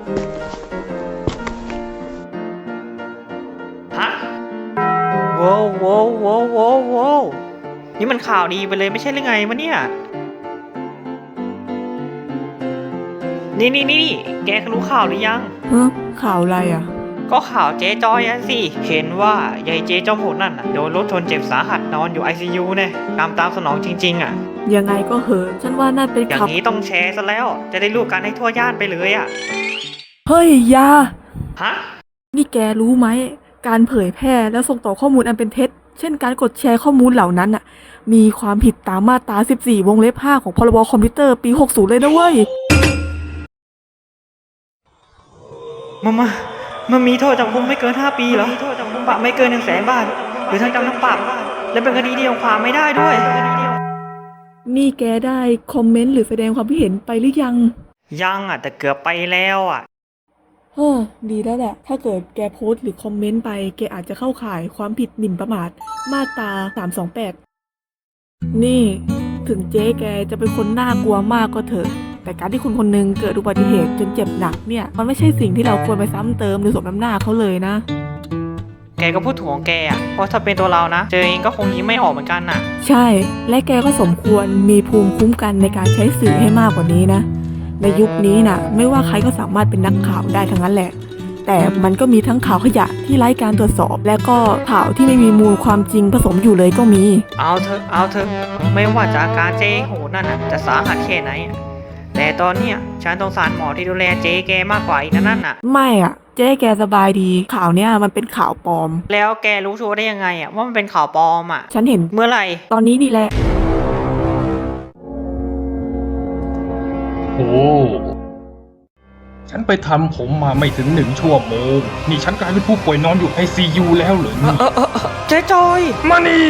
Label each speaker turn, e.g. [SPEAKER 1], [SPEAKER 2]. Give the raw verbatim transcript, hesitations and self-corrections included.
[SPEAKER 1] ฮะโว้วโว้วโว้วโว้วโว้วนี่มันข่าวดีไปเลยไม่ใช่หรือไงมะเนี่ยนี่นี่นี่แกรู้ข่าวหรือยัง
[SPEAKER 2] ฮะข่าวอะไรอ่ะ
[SPEAKER 1] ก็ข่าวเจ๊จอยอะสิเห็นว่ายายเจ๊จอมโหดนั่นน่ะโดนรถชนเจ็บสาหัสนอนอยู่ ไอ ซี ยู เนี่ยกรรมตามสนองจริงๆอ่ะ
[SPEAKER 2] ยังไงก็เหอะฉันว่าน่าเป็น
[SPEAKER 1] อย่าง
[SPEAKER 2] ข่าว
[SPEAKER 1] นี้ต้องแชร์ซะแล้วจะได้รู้กันให้ทั่วย่านไปเลยอ่ะ
[SPEAKER 2] เฮ้ยยา
[SPEAKER 1] ฮะ
[SPEAKER 2] นี่แกรู้ไหมการเผยแพร่และส่งต่อข้อมูลอันเป็นเท็จเช่นการกดแชร์ข้อมูลเหล่านั้นอ่ะมีความผิดตามมาตราสิบสี่วงเล็บห้าของพรบคอมพิวเตอร์ปีหกสิบเลยนะเว้ย
[SPEAKER 1] มามามันมีโทษจำคุกไม่เกินห้าปีเหรอมีโทษจำคุกปรับไม่เกินหนึ่งแสนบาทหรือทั้งจำทั้งปรับและเป็นคดีเดียวความไม่ได้ด้วย
[SPEAKER 2] นี่แกได้คอมเมนต์หรือแสดงความคิดเห็นไปหรือยัง
[SPEAKER 1] ยังอ่ะแต่เกือบไปแล้วอ่ะ
[SPEAKER 2] เฮ้อดีแล้วแหละถ้าเกิดแกโพสต์หรือคอมเมนต์ไปแกอาจจะเข้าข่ายความผิดหมิ่นประมาทมาตราสามสองแปดนี่ถึงเจ๊แกจะเป็นคนน่ากลัวมากก็เถอะแต่การที่คุณคนนึงเกิดอุบัติเหตุจนเจ็บหนักเนี่ยมันไม่ใช่สิ่งที่เราควรไปซ้ำเติมหรือสมน้ำหน้าเขาเลยนะ
[SPEAKER 1] แกก็พูดถูกของแกอ่ะเพราะถ้าเป็นตัวเรานะเจอเองก็คงยิ้มไม่ออกเหมือนกันน่ะ
[SPEAKER 2] ใช่และแกก็สมควรมีภูมิคุ้มกันในการใช้สื่อให้มากกว่านี้นะในยุคนี้น่ะไม่ว่าใครก็สามารถเป็นนักข่าวได้ทั้งนั้นแหละแต่มันก็มีทั้งข่าวขยะที่ไร้การตรวจสอบและก็ข่าวที่ไม่มีมูลความจริงผสมอยู่เลยก็มี
[SPEAKER 1] เอาเถอะเอาเถอะไม่ว่าจากการเจ๊โหนั่นน่ะจะสาหัสแค่ไหนแต่ตอนเนี้ยฉันสงสารหมอที่ดูแลเจ๊แกมากกว่าอีกนั่นน่ะ
[SPEAKER 2] ไม่อ่ะเจ๊แกสบายดีข่าวเนี้ยมันเป็นข่าวปลอม
[SPEAKER 1] แล้วแกรู้ชัวร์ได้ยังไงอ่ะว่ามันเป็นข่าวปลอมอ่ะ
[SPEAKER 2] ฉันเห็น
[SPEAKER 1] เมื่อไหร่
[SPEAKER 2] ตอนนี้นี่แหละ
[SPEAKER 3] โอ้ฉันไปทำผมมาไม่ถึงหนึ่งชั่วโมงนี่ฉันกลายเป็นผู้ป่วยนอนอยู่ ไอ ซี ยู แล้วเหรอนี่
[SPEAKER 1] เออเออเจ๊จอย
[SPEAKER 3] มานี่